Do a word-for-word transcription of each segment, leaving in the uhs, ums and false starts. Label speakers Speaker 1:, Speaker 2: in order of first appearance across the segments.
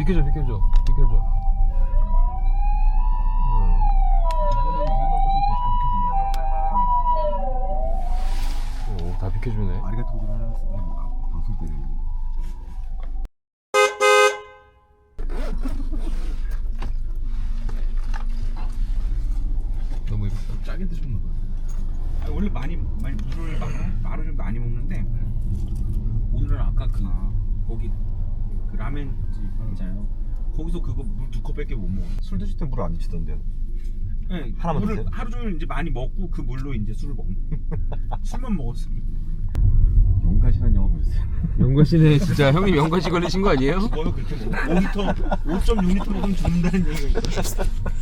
Speaker 1: 비켜줘 비켜줘 비켜줘. 오, 다 비켜주네.
Speaker 2: 아리가토 고자이마스 방송 때문에.
Speaker 1: 너무 이거
Speaker 2: 좀 짜게 드셨나 봐요. 아, 원래 많이 많이 물을 막 말을 좀 많이 먹는데 오늘은 아까 그 거기 그 라멘 집 있잖아요. 거기서 그거 물 두 컵밖에 못 먹어.
Speaker 3: 술 드실 때 물을 안 드시던데요?
Speaker 2: 네,
Speaker 3: 하나만
Speaker 2: 물을
Speaker 3: 드세요?
Speaker 2: 하루 종일 이제 많이 먹고 그 물로 이제 술을 먹는. 술만 먹었어.
Speaker 3: 용가시란 영화 보셨어요?
Speaker 1: 영가시네. 진짜 형님 영가시 걸리신 거 아니에요?
Speaker 2: 죽어요 그렇게 먹어. 오 리터, 오 점 육 리터 먹으면 죽는다는 얘기가 있어.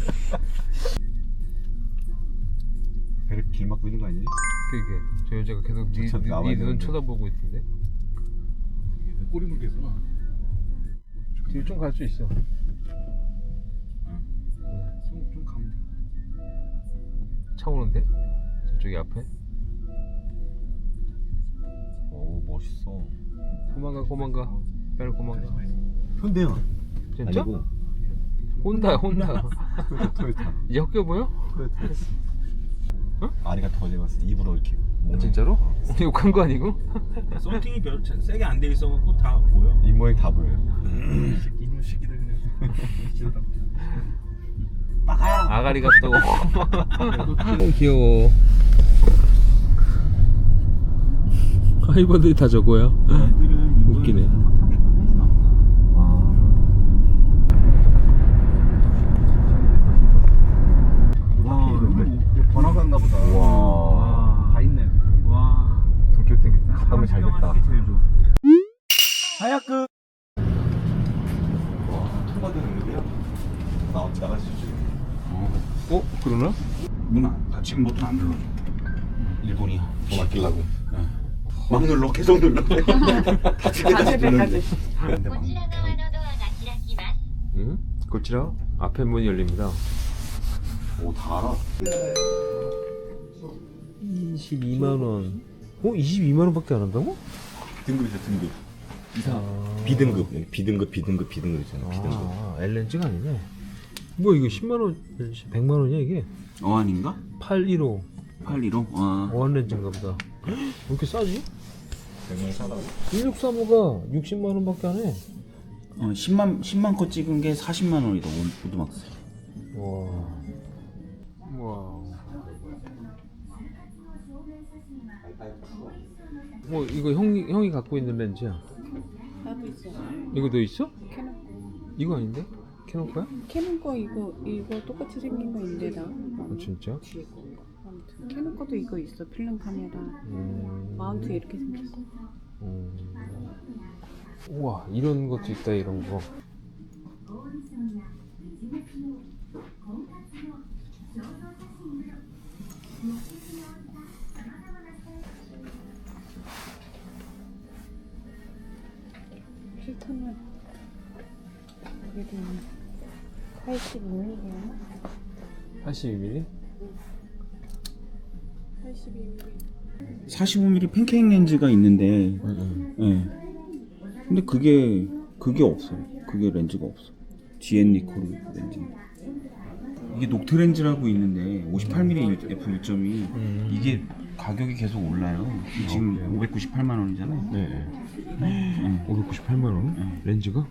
Speaker 3: 배를 길 막고 있는 거 아니에요?
Speaker 1: 그게 저 여자가 계속 니,
Speaker 3: 저
Speaker 1: 니,
Speaker 3: 나와야
Speaker 1: 니 눈
Speaker 3: 되는데.
Speaker 1: 쳐다보고 있던데.
Speaker 2: 꼬리 물겠구나.
Speaker 1: 뒤로 좀 갈 수 있어.
Speaker 2: 좀, 좀 가면 돼.
Speaker 1: 차 오는데? 저쪽이 앞에?
Speaker 3: 오 멋있어.
Speaker 1: 고만가 고만가. 빨리 고만가.
Speaker 3: 현대야.
Speaker 1: 진짜?
Speaker 3: 아니고
Speaker 1: 혼다 혼다.
Speaker 3: 토요타 토요타
Speaker 1: 이제 헛겨 보여?
Speaker 3: 토요타.
Speaker 1: 어?
Speaker 3: 아리가토 고자이마스 입으로 이렇게 먹는
Speaker 1: 진짜로?
Speaker 3: 거.
Speaker 1: 욕한 거 아니고?
Speaker 2: 썬팅이 별 세게 안 돼 있어갖고 다 보여.
Speaker 3: 입 모양 다 보여요.
Speaker 2: 이놈 새끼들 그냥.
Speaker 1: 아가리가 또 귀여워. 하이버들이 다 저거야.
Speaker 2: 애들은
Speaker 1: 웃기네.
Speaker 2: 타게끔 해주나 보다.
Speaker 3: 와
Speaker 2: 이거 번화가인가 보다.
Speaker 3: 와.
Speaker 2: 다 있네. 와.
Speaker 3: 도쿄 때 가면 잘 됐다.
Speaker 2: 제일 좋아. 하얗그.
Speaker 3: 와 통과되는데요? 나 나가시죠.
Speaker 1: 어? 그러나?
Speaker 2: 문 안, 지금 버튼 안 눌러줘. 일본이야.
Speaker 3: 돈 아끼려고.
Speaker 2: 막 눌러, 계속 눌러. 다칠 때까지 누르는데.
Speaker 3: 근데 막
Speaker 4: こちら側のドアが開きます。
Speaker 1: 응? 고치라 앞에 문이 열립니다.
Speaker 3: 오다 알아.
Speaker 1: 이십이만 원. 어? 이십이만 원밖에 안 한다고?
Speaker 3: 등급이죠 등급. 이사
Speaker 1: 아.
Speaker 3: 비등급 네, 비등급 비등급 비등급 있잖아. 비등급.
Speaker 1: 아, 엘렌지가 아니네. 뭐 이거 십만 원, 백만 원이야 이게?
Speaker 2: 어안인가?
Speaker 1: 팔백십오
Speaker 2: 팔십오? 아.
Speaker 1: 어안렌즈인가 보다. 왜 이렇게 싸지?
Speaker 3: 백만 사다고.
Speaker 1: 일육삼오가 육십만 원밖에 안 해.
Speaker 2: 어, 십만, 십만 컷 찍은 게 사십만 원이다, 오- 오두막스.
Speaker 1: 와. 와. 뭐 이거 형이 형이 갖고 있는 렌즈야.
Speaker 5: 나도 있어.
Speaker 1: 이거 너 있어?
Speaker 5: 캐논
Speaker 1: 이거 아닌데? 캐논 거야?
Speaker 5: 캐논 거 이거 이거 똑같이 생긴 거 있는데 나.
Speaker 1: 아, 진짜?
Speaker 5: 뒤에 거. 아무튼 캐논 거도 이거 있어. 필름 카메라.
Speaker 1: 음.
Speaker 5: 마운트 이렇게 생겼어.
Speaker 1: 음. 우와 이런 것도 있다 이런 거.
Speaker 5: 필터는 그래도 팔십이 밀리미터야.
Speaker 1: 팔십이 밀리미터?
Speaker 5: 팔십이 밀리미터.
Speaker 2: 사십오 밀리미터 팬케이크 렌즈가 있는데,
Speaker 1: 응.
Speaker 2: 예. 근데 그게, 그게 없어요. 그게 렌즈가 없어. 지엔 니코르 렌즈. 이게 녹트 렌즈라고 있는데, 오십팔 밀리미터 에프 일 점 이.
Speaker 1: 음.
Speaker 2: 이게 가격이 계속 올라요. 지금
Speaker 1: 그래요?
Speaker 2: 오백구십팔만 원이잖아요.
Speaker 1: 네. 오백구십팔만 원?
Speaker 2: 네.
Speaker 1: 렌즈가?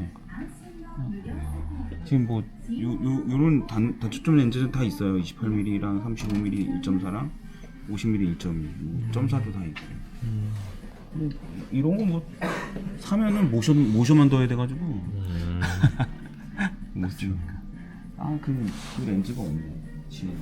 Speaker 2: 지금 뭐, 요, 요, 요런 단, 단초점 렌즈는 다 있어요. 이십팔 밀리미터랑 삼십오 밀리미터 일 점 사랑 오십 밀리미터 일 점 이. 뭐 점 사도 다 있고. 뭐, 이런 거 뭐, 사면은 모션, 모션만 더해야 돼가지고.
Speaker 1: 음.
Speaker 2: 못 쓰니까. 아, 그, 그 렌즈가 없네. 지금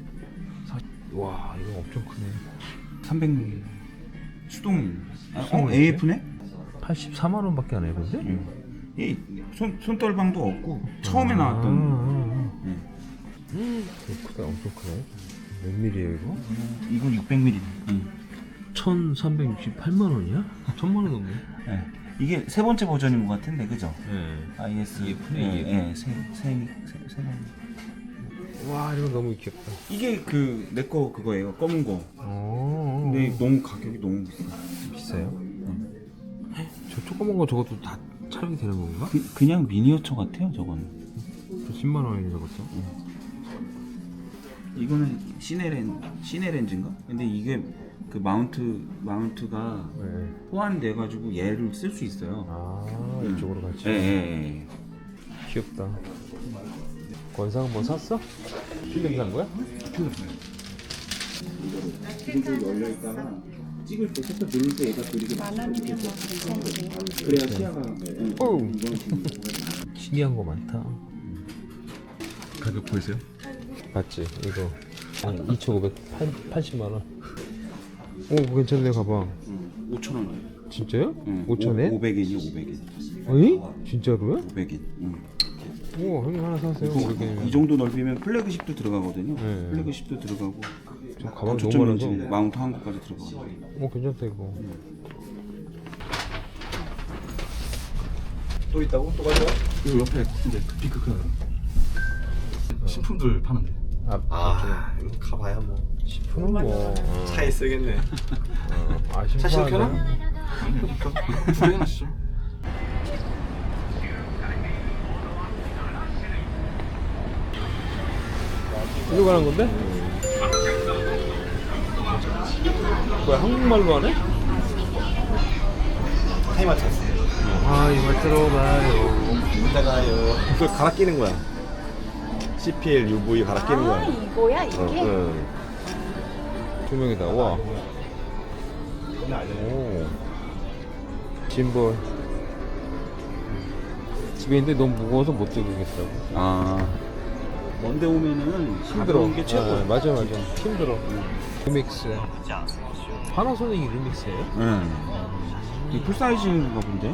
Speaker 1: 와 이거 엄청 크네.
Speaker 2: 삼백 밀리미터. 수동. 아,
Speaker 1: 수동
Speaker 2: 어,
Speaker 1: 렌즈?
Speaker 2: 에이에프네?
Speaker 1: 팔십사만 원밖에 안 해 근데?
Speaker 2: 응. 이 손, 손떨방도 없고, 처음에
Speaker 1: 아,
Speaker 2: 나왔던.
Speaker 1: 아,
Speaker 2: 응.
Speaker 1: 아. 이거 크다 엄청 크네. 몇 밀이에요 이거?
Speaker 2: 이건 육백 밀리미터. 응.
Speaker 1: 천삼백육십팔만 원이야? 천만 원 넘네.
Speaker 2: 네. 이게 세 번째 버전인 것 같은데, 그죠?
Speaker 1: 네.
Speaker 2: 아이에스
Speaker 1: 이에프네,
Speaker 2: 예,
Speaker 1: 이에프.
Speaker 2: 예, 세, 세, 세, 세 번.
Speaker 1: 와 이거 너무 귀엽다.
Speaker 2: 이게 그 내 거 그거예요, 검은 거.
Speaker 1: 오.
Speaker 2: 근데 너무 가격이 너무 비싸.
Speaker 1: 비싸요? 저 조그만 거 저것도 다 촬영이 되는 건가?
Speaker 2: 그, 그냥 미니어처 같아요 저거는.
Speaker 1: 십만 원이네 저것도.
Speaker 2: 이거는 시네렌 시네렌즈인가? 근데 이게 그 마운트 마운트가
Speaker 1: 네.
Speaker 2: 호환돼 가지고 얘를 쓸 수 있어요.
Speaker 1: 아 이쪽으로 같이.
Speaker 2: 예, 예, 예.
Speaker 1: 귀엽다. 권상 뭐 샀어? 필름 산 거야?
Speaker 2: 이거 열려 있다가 찍을 때 살짝 누를 때 얘가 그리게
Speaker 5: 만 원이면 뭐 괜찮지.
Speaker 2: 그래야 시야가
Speaker 1: 어우. 신기한 거 많다.
Speaker 3: 가격 보이세요?
Speaker 1: 맞지? 이거 한 이천오백팔십만 원. 오 괜찮네 가방.
Speaker 2: 오천 원.
Speaker 1: 진짜요?
Speaker 2: 응.
Speaker 1: 오천에?
Speaker 2: 오백 엔이 오백 엔.
Speaker 1: 어이? 진짜로요?
Speaker 2: 오백 엔. 응.
Speaker 1: 오 형님 하나 사세요. 오백 엔이면.
Speaker 2: 이 정도 넓이면 플래그십도 들어가거든요.
Speaker 1: 네.
Speaker 2: 플래그십도 들어가고
Speaker 1: 저 가방 너무
Speaker 2: 초점
Speaker 1: 많아서.
Speaker 2: 렌즈 마운트 한 것까지 들어가고.
Speaker 1: 오 괜찮다 이거.
Speaker 3: 또 있다고? 또 가져와? 그 옆에 이제 빅크 큰 신품들 파는데.
Speaker 1: 아,
Speaker 3: 아 이거 가봐야 뭐
Speaker 1: 식품은 뭐. 어.
Speaker 3: 차에 쓰겠네.
Speaker 1: 어. 아
Speaker 3: 차
Speaker 1: 신발.
Speaker 3: 신켜놔? 두 개나 시죠.
Speaker 1: 이거 가는 건데? 뭐야 한국말로 하네?
Speaker 3: 타이마트.
Speaker 1: 아 이거 들어가요.
Speaker 3: 이따가요. 그걸 갈아 끼는 거야. 씨피엘, 유브이 갈아 끼는
Speaker 5: 아
Speaker 3: 거야.
Speaker 5: 이거야 이게?
Speaker 3: 어, 응.
Speaker 1: 두 명이다. 와. 오. 짐볼. 집에 있는데 너무 무거워서 못 들겠어.
Speaker 2: 아. 먼데 오면은
Speaker 1: 힘들어.
Speaker 2: 가벼운 게 최고.
Speaker 1: 아, 맞아 맞아. 힘들어. 루믹스. 파나소닉 루믹스예요?
Speaker 2: 응. 이 풀사이즈인가 본데?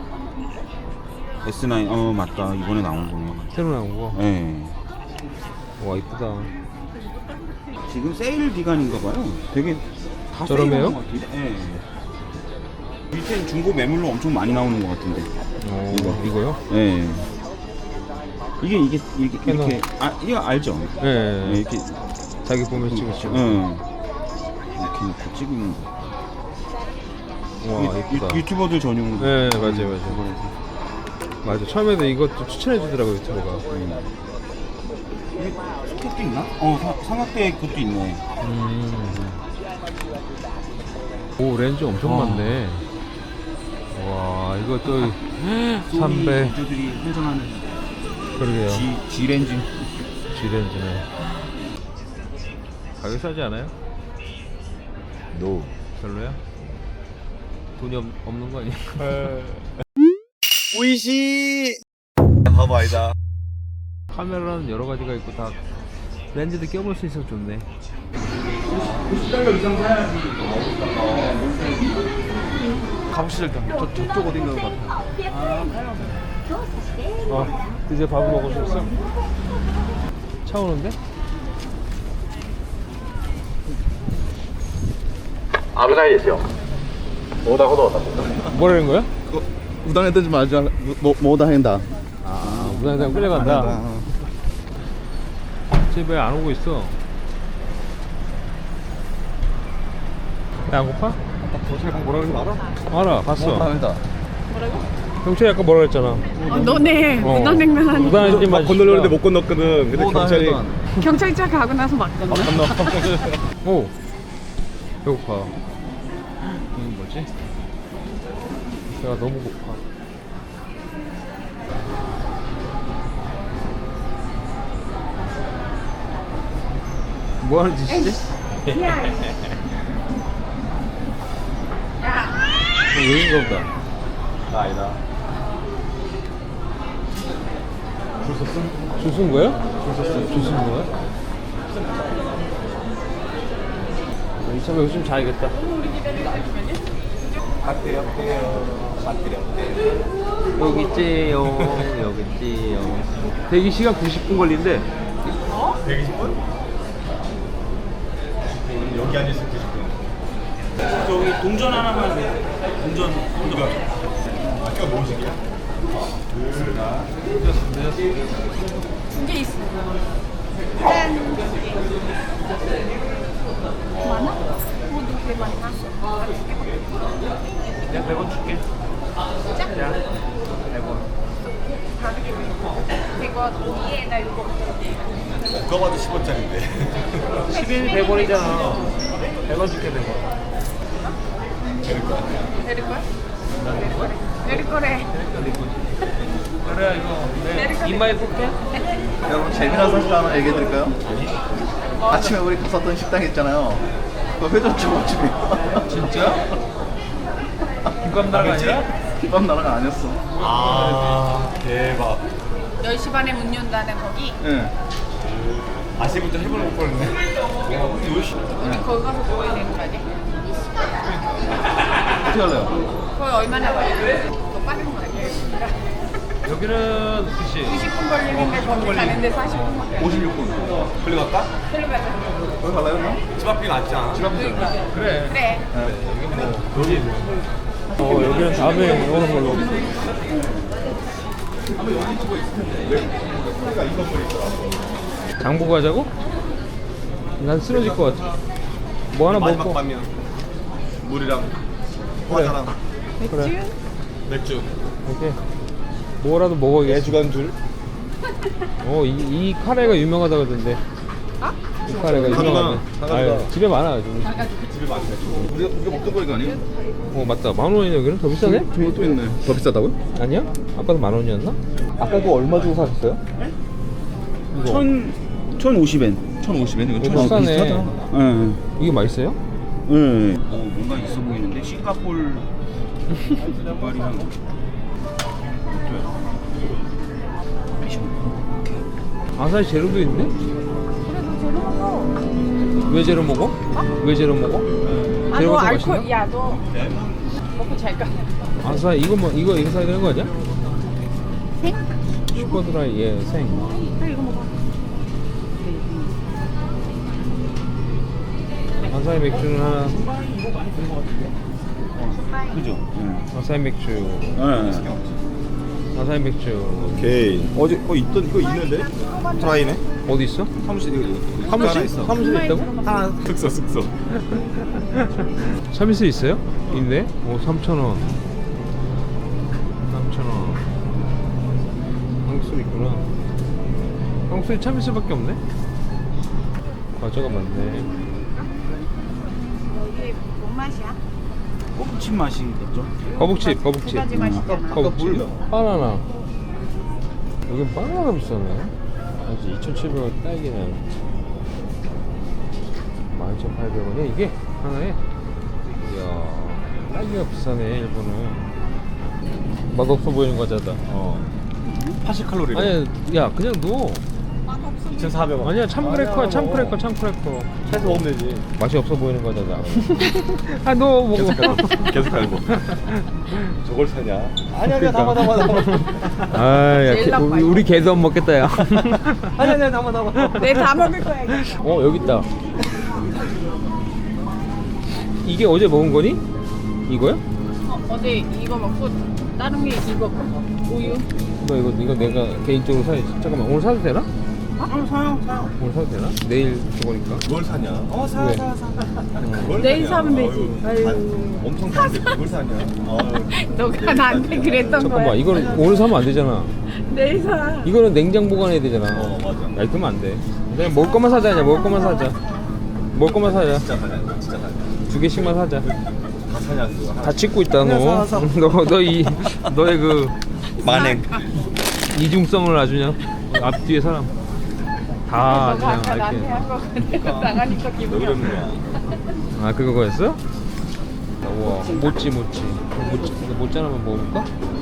Speaker 2: 에스 나인. 어 맞다. 이번에 나온 거네.
Speaker 1: 새로 나온 거.
Speaker 2: 예.
Speaker 1: 와 이쁘다.
Speaker 2: 지금 세일 기간인가 봐요. 되게 다
Speaker 1: 저렴해요?
Speaker 2: 세일하는 것 같은데. 예. 밑에 중고 매물로 엄청 많이 나오는 것 같은데.
Speaker 1: 오,
Speaker 2: 이거.
Speaker 1: 이거요?
Speaker 2: 예. 이게 이게 이렇게
Speaker 1: 캐논.
Speaker 2: 이렇게 아 이거 알죠?
Speaker 1: 예.
Speaker 2: 예, 이렇게
Speaker 1: 자기 보면 찍으시고.
Speaker 2: 응. 이렇게 놓고 찍는 거.
Speaker 1: 와
Speaker 2: 유,
Speaker 1: 이쁘다.
Speaker 2: 유, 유튜버들 전용.
Speaker 1: 네 맞아요 맞아요. 맞아 처음에도 이것도 추천해 주더라고 유튜버가.
Speaker 2: 이게 소켓도 있나? 어 사, 삼각대 그것도 있네.
Speaker 1: 음. 오 렌즈 엄청
Speaker 2: 와.
Speaker 1: 많네. 와 이거 또
Speaker 2: 소니
Speaker 1: 삼백.
Speaker 2: 유저들이 환장하는
Speaker 1: 그러게요.
Speaker 2: G G 렌즈.
Speaker 1: G 렌즈네. 가격 싸지 않아요?
Speaker 3: 노.
Speaker 1: 별로야? 돈이 없, 없는 거 아니야?
Speaker 3: 우이시. 바보 아니다.
Speaker 1: 카메라는 여러 가지가 있고 다 렌즈도 껴볼 수 있어서 좋네.
Speaker 2: 구십 달러 이상 사야지.
Speaker 3: 가보시죠 일단. 저, 저쪽 어딘가 같아.
Speaker 1: 아 드디어 밥을 먹으셨어? 차 오는데? 뭐라는 거야?
Speaker 3: 우당에 뜨지 말자. 뭐 뭐다 한다.
Speaker 1: 아 무당장 끌려간다. 집에 왜 안 오고 있어? 야, 안 고파?
Speaker 3: 아까 경찰관 뭐라 그러는 거 알아?
Speaker 1: 알아 봤어.
Speaker 3: 한다.
Speaker 1: 경찰이 아까 뭐라 그랬잖아.
Speaker 5: 어, 너네
Speaker 1: 어.
Speaker 5: 무단횡단 하니까
Speaker 1: 무단횡단
Speaker 3: 막 건너려는데 못 건넜거든. 근데 경찰이
Speaker 5: 경찰차 가고 나서 막 건너.
Speaker 1: 오 배고파. 이게 뭐지? 배가 너무 고파. 뭐 하는 짓이지? 여긴가 보다.
Speaker 3: 나 아니다.
Speaker 1: 줄 섰어? 줄 쓴 거야? 줄 섰어. 줄 쓴 거야? 이참에 여기 좀 자야겠다.
Speaker 3: 배터리 없대요. 배터리 없대요.
Speaker 1: 여기 있지요. 여기 있지요. 대기 시간 구십 분 걸린대.
Speaker 3: 백이십 분? 여기 앉아있을 때 구십 분.
Speaker 2: 저기 동전 하나만 돼. 동전. 동전.
Speaker 3: 학교가 무엇이야?
Speaker 5: 두개 있어. 짠. 많아? 어, 너왜 많이 났어?
Speaker 1: 내가 백 원 줄게.
Speaker 5: 이거 위에다 이거
Speaker 3: 누가 봐도 십 원짜리인데.
Speaker 1: 십인이 백 원이잖아. 백 원 줄게 백 원.
Speaker 5: 내릴 거야? 내릴 거래.
Speaker 1: 그래 이거 내 이마에 꽂게.
Speaker 6: 여러분 재미난 사실 하나 얘기해 드릴까요? 아침에 우리 갔었던 식당 있잖아요. 그 회전 초밥집이에요.
Speaker 1: 진짜? 김밥 나라가 아니라?
Speaker 6: 김밥 나라가 아니었어.
Speaker 3: 아 대박.
Speaker 5: 열 시 반에 문 연다는 거기.
Speaker 6: 예.
Speaker 3: 아시부터 해볼 못 뻔했네.
Speaker 5: 우리 거기 가서 먹어야 되는 거 아니야?
Speaker 6: 어떻게 할래요?
Speaker 5: 거기 얼마나 걸려? 더 빠른 거 아니야?
Speaker 1: 여기는 그치.
Speaker 5: 이십 분 걸리는데 거기 가는데 사십 분 걸려.
Speaker 6: 오십육 분.
Speaker 3: 걸리 갈까?
Speaker 5: 들려가자.
Speaker 6: 거기 갈래요, 형?
Speaker 3: 집 앞이 낫지 않아? 집 앞이
Speaker 5: 그러니까.
Speaker 1: 그래.
Speaker 5: 그래.
Speaker 1: 여기 어 여기는 다음에 오는 걸로. 장보 가자고? 난 쓰러질 것 같아. 뭐 하나
Speaker 3: 마지막
Speaker 1: 먹고.
Speaker 3: 밤이야. 물이랑 과자랑
Speaker 5: 맥주?
Speaker 3: 맥주.
Speaker 1: 오케이. 뭐라도 먹어야겠어.
Speaker 3: 주간 줄.
Speaker 1: 어, 이, 이 카레가 유명하다 그러던데.
Speaker 5: 아?
Speaker 1: 이 카레가
Speaker 3: 사과가,
Speaker 1: 유명하네.
Speaker 3: 사과가.
Speaker 1: 아유, 집에 많아가지고.
Speaker 3: 집에 많네.
Speaker 6: 우리가, 우리가 먹던 거이거 아니에요?
Speaker 1: 어, 맞다. 만 원이네, 여기는? 더 비싸네?
Speaker 6: 저기 또 있네. 더 비싸다고요?
Speaker 1: 아니야? 아까도 만 원이었나?
Speaker 6: 아까 그거 얼마 주고 사셨어요?
Speaker 2: 천 천오십 엔.
Speaker 6: 천오십 엔? 이거
Speaker 1: 이거 비싸네.
Speaker 6: 비싸다.
Speaker 2: 예.
Speaker 1: 이게 맛있어요?
Speaker 2: 예. 어, 뭔가 있어 보이는데 싱가폴 말이랑
Speaker 1: 아사히 제로도 있네?
Speaker 5: 그래도 제로 먹어.
Speaker 1: 왜 제로 먹어? 왜 제로 먹어?
Speaker 5: 아,
Speaker 1: 제로가
Speaker 5: 너
Speaker 1: 더
Speaker 5: 알코올,
Speaker 1: 맛있나?
Speaker 5: 야, 너 먹고 잘 까.
Speaker 1: 아사히 이거 뭐 이거 이거 사야 되는 거 아니야?
Speaker 5: 생?
Speaker 1: 슈퍼드라이 예 생.
Speaker 5: 그래, 이거 먹어.
Speaker 1: 아사히 맥주는 하나.
Speaker 2: 그죠? 예.
Speaker 1: 아사히 맥주.
Speaker 2: 예.
Speaker 1: 아사히 맥주.
Speaker 3: 오케이. 어제 어 있던 이거 있는데? 드라이네.
Speaker 1: 어디 있어?
Speaker 3: 사무실 이거 이거 하나
Speaker 1: 사무실?
Speaker 3: 있어.
Speaker 1: 사무실에 있다고?
Speaker 3: 하나 숙소 숙소.
Speaker 1: 서비스 있어요? 있네? 오 삼천 원. 삼천 원. 한국 술 있구나. 한국 술이 참이슬밖에 없네. 과자가 많네.
Speaker 5: 여기 뭔 맛이야?
Speaker 2: 꼬북칩 맛이겠죠?
Speaker 1: 거북칩,
Speaker 5: 두
Speaker 1: 거북칩.
Speaker 5: 가지 맛이잖아.
Speaker 1: 거북칩. 바나나. 여긴 바나나가 비싸네. 아직 이천칠백 원 딸기는 만 이천팔백 원이야 이게 하나에. 이야 딸기가 비싸네 일본은. 맛없어 보이는 과자다.
Speaker 3: 어. 팔십 칼로리.
Speaker 1: 아니 야 그냥 넣어.
Speaker 3: 이천사백 원.
Speaker 1: 아니야 참크래커야 참크래커 참크래커.
Speaker 3: 해서 먹으면 되지.
Speaker 1: 맛이 없어 보이는 과자다. 아 너 먹어.
Speaker 3: 계속 갈고. 계속 갈고. 저걸 사냐? 아니 아니야 담아 담아 담아.
Speaker 1: 아야
Speaker 5: 제일 나빠,
Speaker 1: 우리,
Speaker 5: 이거.
Speaker 1: 우리 개도 안 먹겠다 야.
Speaker 3: 아니 아니야 담아 담아.
Speaker 5: 내 다 먹을 거야, 이거.
Speaker 1: 어 여기 있다. 이게 어제 먹은 거니? 이거야?
Speaker 5: 어, 어제 이거 먹고 다른 게 이거 우유.
Speaker 1: 너 이거 이거 내가 개인적으로 사야지. 잠깐만 오늘 사도 되나?
Speaker 2: 어, 사요, 사요.
Speaker 1: 오늘 사도 되나? 내일 저거니까.
Speaker 3: 뭘 사냐? 어 사
Speaker 1: 왜?
Speaker 3: 사 사.
Speaker 1: 응.
Speaker 3: 뭘
Speaker 5: 내일
Speaker 3: 사냐?
Speaker 5: 사면 되지.
Speaker 3: 아유,
Speaker 5: 아유.
Speaker 3: 엄청 사는데 뭘 사냐? 아유.
Speaker 5: 너가 나한테 그랬던
Speaker 1: 잠깐만
Speaker 5: 거야.
Speaker 1: 이거는 오늘 사면 안 되잖아.
Speaker 5: 내일 사.
Speaker 1: 이거는 냉장 보관해야 되잖아.
Speaker 3: 어, 맞아.
Speaker 1: 야 그러면 안 돼. 그냥 먹을 것만 사자. 그냥 먹을 것만 사자. 먹을 것만 사자.
Speaker 3: 진짜 사냐? 진짜 사냐?
Speaker 1: 두 개씩만 사자.
Speaker 3: 다 사냐 그거?
Speaker 1: 다 찍고 있다 너.
Speaker 3: 그냥 사, 사.
Speaker 1: 너 너 이 너의 그
Speaker 3: 만행.
Speaker 1: 이중성을 아주 그냥 앞뒤에 사람 다
Speaker 5: 너가 아까
Speaker 1: 그냥
Speaker 5: 나한테
Speaker 1: 이렇게.
Speaker 5: 한 거 내가 나가니까
Speaker 3: 왜
Speaker 5: 기분이
Speaker 3: 그러는
Speaker 5: 없네.
Speaker 3: 거야?
Speaker 1: 아 그거였어? 우와 모찌 모찌 모찌 이거 모찌 하나만 먹어볼까?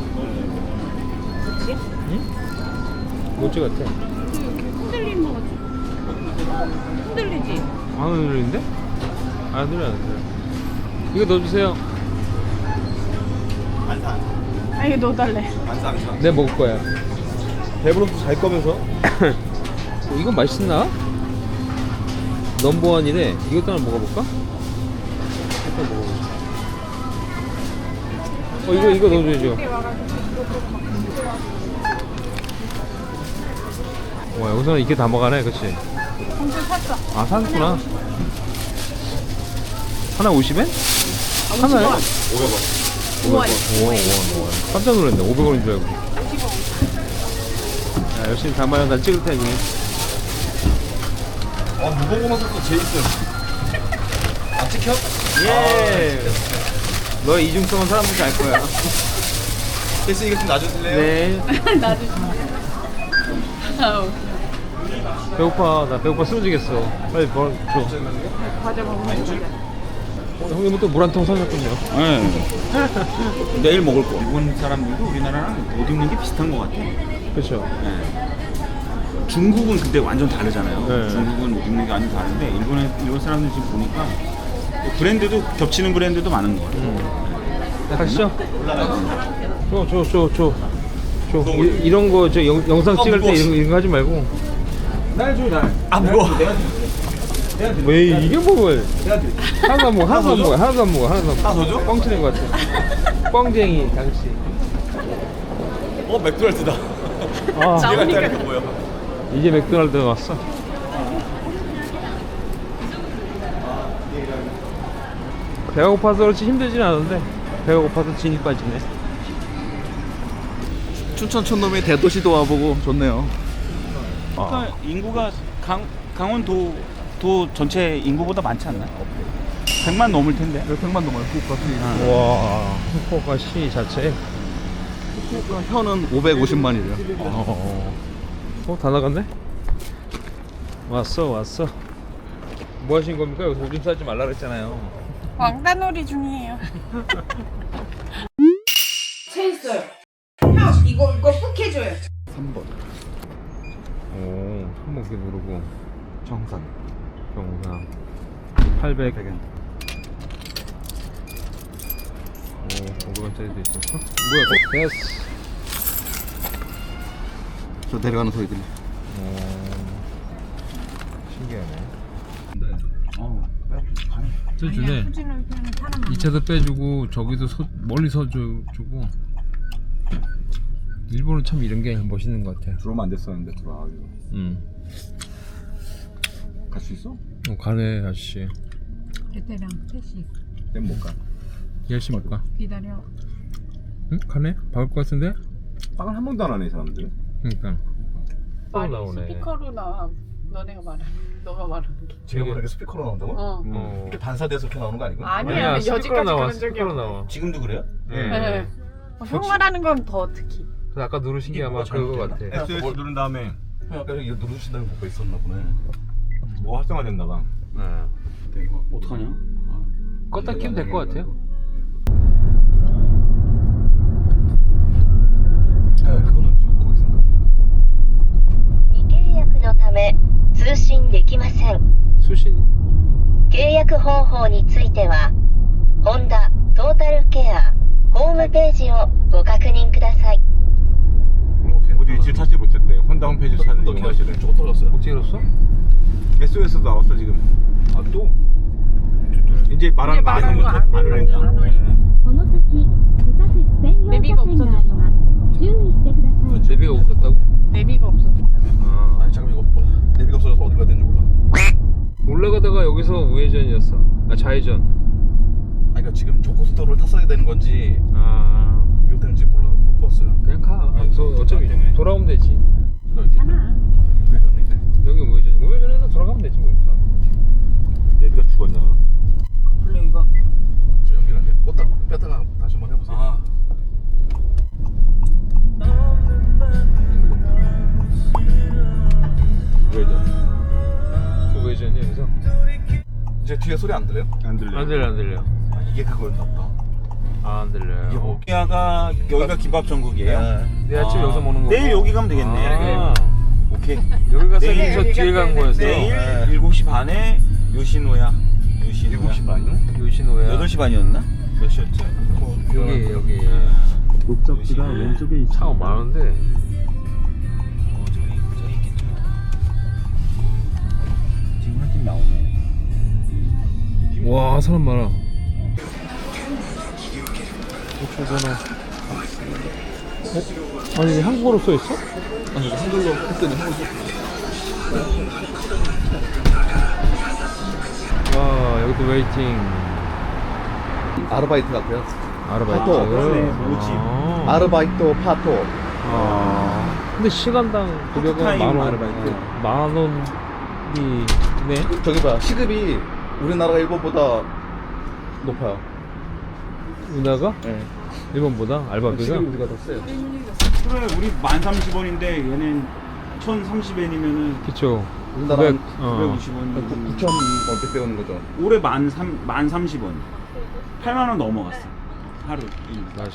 Speaker 5: 그치?
Speaker 1: 응? 모찌 같아.
Speaker 5: 흔들리는 거 같지? 흔들리지?
Speaker 1: 안 흔들리는데? 안 흔들려 안 흔들려. 이거 넣어주세요.
Speaker 3: 안 사.
Speaker 5: 아 이거 넣어달래.
Speaker 3: 안 사. 안 사.
Speaker 1: 내가 먹을 거야.
Speaker 3: 배부르면 잘 거면서.
Speaker 1: 어, 이건 맛있나? 넘버원이래. 이것도 하나 먹어볼까? 일단 먹어보자. 어 이거 이거 넣어줘야죠.
Speaker 5: 이렇게 와가지고 이거 보고 막
Speaker 1: 와 여기서는 이렇게 다 먹어가네 그치?
Speaker 5: 공주 샀어.
Speaker 1: 아 샀구나. 하나 오십 엔?
Speaker 5: 아,
Speaker 1: 하나에?
Speaker 3: 오백 원.
Speaker 1: 오백 원. 오, 원, 원. 깜짝 놀랐네. 오백 원인 줄 알고. 자, 열심히 담아요. 난 찍을 테니.
Speaker 3: 아 무궁화 소스 제이슨. 안 찍혀?
Speaker 1: 예. 너의 이중성은 사람들이 알 거야.
Speaker 3: 제이슨 이거 좀 놔주실래요?
Speaker 1: 네.
Speaker 5: 아우.
Speaker 1: 배고파. 나 배고파 쓰러지겠어. 빨리 뭘 줘.
Speaker 5: 과자 먹으면 되자.
Speaker 1: 형님은 또 물 한 통 사셨군요.
Speaker 2: 네. 내일 먹을 거. 일본 사람들도 우리나라랑 옷 입는 게 비슷한 것 같아.
Speaker 1: 그렇죠.
Speaker 2: 네. 중국은 근데 완전 다르잖아요.
Speaker 1: 네.
Speaker 2: 중국은 옷 입는 게 완전 다른데 일본에 일본 사람들 지금 보니까 브랜드도 겹치는 브랜드도 많은 것 같아요.
Speaker 1: 음. 가시죠. 줘, 줘, 줘, 줘. 줘. 이, 이런 거 저 영상 찍을 때 이런, 거- 이런 거 하지 말고.
Speaker 2: 날 줘, 날.
Speaker 3: 아 무거워.
Speaker 1: 왜 이게 뭘? 하나도 안 먹어, 하나도 안 먹어, 하나도 안 먹어, 하나도 안 먹어.
Speaker 3: 하나 더 줘?
Speaker 1: 뻥치는 것 같아. 뻥쟁이 당시.
Speaker 3: 어 맥도날드다.
Speaker 1: 아,
Speaker 3: 얘가 짜는 게 뭐야?
Speaker 1: 이제 맥도날드 왔어. 배가 고파서 그렇지 힘들진 않은데 배가 고파서 진이 빠지네.
Speaker 6: 춘천 촌놈이 대도시도 와보고 좋네요.
Speaker 2: 그러니까 인구가 강 강원도 도 전체 인구보다 많지 않나? 백만 넘을 텐데.
Speaker 6: 백만 넘어요. 후쿠오카.
Speaker 1: 와, 후쿠오카 시 자체.
Speaker 6: 후쿠오카 현은 오백오십만이래요.
Speaker 1: 어, 어, 다 나갔네? 왔어, 왔어. 뭐 하신 겁니까? 여기서 오줌 싸지 말라 그랬잖아요.
Speaker 5: 왕따놀이 중이에요. 체했어요. 형 이거 이거 푹 해줘요.
Speaker 6: 삼 번.
Speaker 1: 오, 한번 이렇게 누르고.
Speaker 6: 정산.
Speaker 1: 경상. 팔백.
Speaker 6: 백 엔.
Speaker 1: 오, 오백 원짜리도 있었어? 뭐야, 됐어.
Speaker 6: 저 내려가는 소리 들리.
Speaker 1: 오, 신기하네.
Speaker 2: 어.
Speaker 1: 저 주네. 이 차도 빼주고 저기도 서, 멀리 서주고. 일본은 참 이런 게 멋있는 것 같아.
Speaker 3: 들어오면 안 됐었는데 들어와가지고.
Speaker 1: 응.
Speaker 3: 갈 수 있어?
Speaker 1: 어, 가네 아저씨.
Speaker 5: 그때랑 택시
Speaker 3: nên 못 가.
Speaker 1: 열심히 가.
Speaker 5: 기다려.
Speaker 1: 응? 가네? 박을 것 같은데?
Speaker 3: 빵을 한 번도 안 하네 이 사람들.
Speaker 1: 그러니까. 또
Speaker 5: 말이
Speaker 1: 나오네.
Speaker 5: 스피커로 나와. 너네가 말하는 너가 말하는 게.
Speaker 6: 제가 보니까 스피커로 나온다고?
Speaker 5: 어.
Speaker 1: 어.
Speaker 6: 이렇게 반사돼서 이렇게 나오는 거 아니고?
Speaker 5: 아니야,
Speaker 1: 스피커로
Speaker 5: 여지까지
Speaker 1: 나와.
Speaker 5: 그런 적이
Speaker 1: 스피커로
Speaker 5: 없어.
Speaker 1: 나와.
Speaker 2: 지금도 그래요?
Speaker 1: 네.
Speaker 5: 네. 어, 형 말하는 건 더 특히.
Speaker 1: 그래서 아까 누르신 게 아마
Speaker 6: 뭐가
Speaker 1: 그거
Speaker 6: 잘못됐나?
Speaker 1: 같아.
Speaker 3: 에스오에스 누른 다음에
Speaker 6: 형 아까 이거 누르신다는 거가 있었나 보네.
Speaker 3: 뭐 활성화됐나 봐.
Speaker 1: 네.
Speaker 6: 대박.
Speaker 2: 어떡하냐?
Speaker 1: 껐다 키면 될 것 같아요.
Speaker 6: 네, 그거는 좀 거기 산다.
Speaker 4: 未契約のため通信できません。
Speaker 1: 수신.
Speaker 4: 契約方法については、ホンダトータルケアホームページをご確認ください。
Speaker 3: 어디 위치를 찾지 못했대. 혼다 홈페이지 찾는
Speaker 6: 또
Speaker 3: 이용하시래.
Speaker 6: 저거 떨어졌어요.
Speaker 1: 어떻게 들었어?
Speaker 3: 에스오에스도 나왔어 지금. 아 또? 이제 말하는 거 안
Speaker 5: 말하는 거
Speaker 3: 하니까
Speaker 5: 안
Speaker 3: 안
Speaker 5: 올린다. 안
Speaker 3: 하니까.
Speaker 5: 올린다.
Speaker 7: この先右左折専用車線があります。注意してください。
Speaker 1: 내비가 없었다고?
Speaker 5: 내비가 없었다.
Speaker 1: 아.
Speaker 6: 아니 잠깐 이거 뭐야? 내비가 없어져서 어디 가야 되는지 몰라.
Speaker 1: 올라가다가 여기서 우회전이었어. 아, 좌회전.
Speaker 6: 아니 그러니까 지금 저 고속도로를 탔어야 되는 건지
Speaker 1: 아,
Speaker 6: 이거 되는지 몰라 못 봤어요.
Speaker 1: 그냥 가. 아, 저 어차피 돌아오면 되지.
Speaker 6: 제가 이렇게
Speaker 5: 하나.
Speaker 6: 우회전인데.
Speaker 1: 여기 우회전. 우회전해서 돌아가면 되지 뭐. 일단.
Speaker 3: 얘가 죽었나?
Speaker 2: 플레이가
Speaker 6: 저 연결 안 돼. 껐다 뺐다가 다시 한번 해보세요.
Speaker 2: 아
Speaker 3: 우회전.
Speaker 1: 그 우회전이 여기서.
Speaker 6: 이제 뒤에 소리 안 들려요?
Speaker 3: 안 들려.
Speaker 1: 안 들려, 안 들려.
Speaker 6: 아 이게 그거였나 보다.
Speaker 1: 아, 안 들려요.
Speaker 6: 이게 뭐?
Speaker 2: 여기가 여기가 김밥 전국이에요?
Speaker 1: 내일 아침
Speaker 2: 아,
Speaker 1: 여기서 먹는 거.
Speaker 2: 내일 여기 가면 되겠네.
Speaker 1: 아,
Speaker 2: 오케이.
Speaker 1: 여기 가서
Speaker 2: 내일
Speaker 1: 저 뒤에 가는 거였어.
Speaker 2: 내일
Speaker 1: 네.
Speaker 2: 일곱 시 반에 요시노야. 요시노야.
Speaker 3: 일곱 시 반이요?
Speaker 1: 요시노야.
Speaker 2: 여덟 시 반이었나?
Speaker 3: 몇 시였지?
Speaker 1: 여기, 여기.
Speaker 3: 목적지가 왼쪽에 있어.
Speaker 1: 차가 많은데.
Speaker 2: 어, 저기 저기 있겠죠. 지금 한 팀 나오네.
Speaker 1: 와, 사람 많아. 전화. 어? 아니, 한국어로 써 있어?
Speaker 6: 아니 이거 한글로 했더니 한글로.
Speaker 1: 와, 여기도 웨이팅.
Speaker 6: 아르바이트 같아요.
Speaker 1: 아르바이트.
Speaker 6: 파토.
Speaker 2: 그러네, 모집.
Speaker 1: 아.
Speaker 6: 아르바이트 파토.
Speaker 1: 아. 근데 시간당 급여가
Speaker 2: 파트타임
Speaker 1: 만 원.
Speaker 2: 아르바이트.
Speaker 1: 만 원이 네.
Speaker 6: 저기 봐, 시급이 우리나라가 일본보다 높아요.
Speaker 1: 은하가
Speaker 6: 네.
Speaker 1: 일본보다 알바비가
Speaker 6: 시급이 우리가 더 세요.
Speaker 2: 그래 우리 만 삼십 원인데 얘는 천삼십 엔이면은
Speaker 1: 그쵸.
Speaker 6: 우리나라는
Speaker 1: 구백, 어.
Speaker 2: 구백오십 원.
Speaker 6: 구천 원백 배우는 거죠.
Speaker 2: 올해 만삼 만 삼십 원. 팔만 원 넘어갔어. 하루 일.
Speaker 1: 맞아.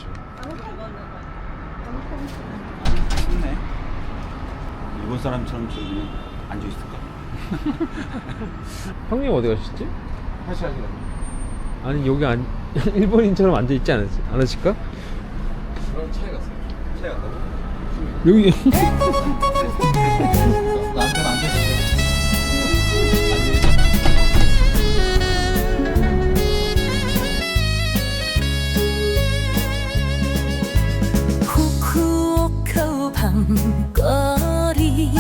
Speaker 2: 좋네. 일본 사람처럼 저 그냥 앉아 있을까?
Speaker 1: 형님 어디 가셨지?
Speaker 6: 다시 하시는
Speaker 1: 아니 여기 안 일본인처럼 앉아 있지 않았, 않으실까?
Speaker 6: 그런 차이 갔어요. 차이 갔다고?
Speaker 1: 여기
Speaker 6: 나한테는 안 돼.
Speaker 8: 후쿠오카 밤거리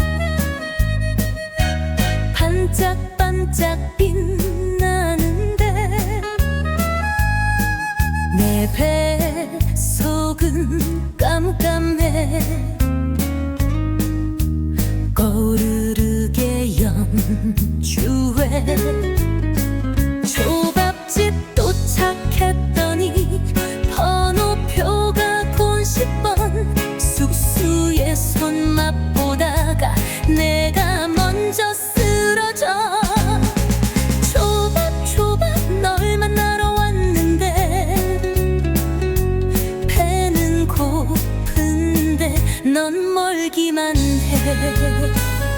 Speaker 8: 반짝반짝 빛나는데 내 뱃속은 깜깜해 거르르게 연주해 초밥집 도착했더니 번호표가 곤십 번 숙소에 손 맛보다가 내가 먼저 쓰러져 초밥 초밥 널 만나러 왔는데 배는 고픈데 넌 멀기만 해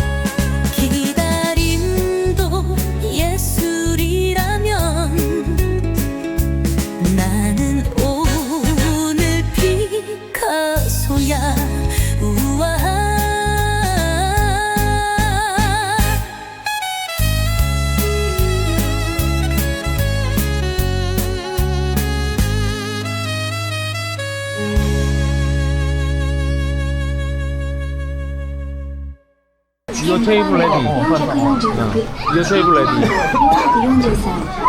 Speaker 8: 기다림도 예술이라면 나는 오늘 피카소야 우와
Speaker 1: Your table ready. Your table ready.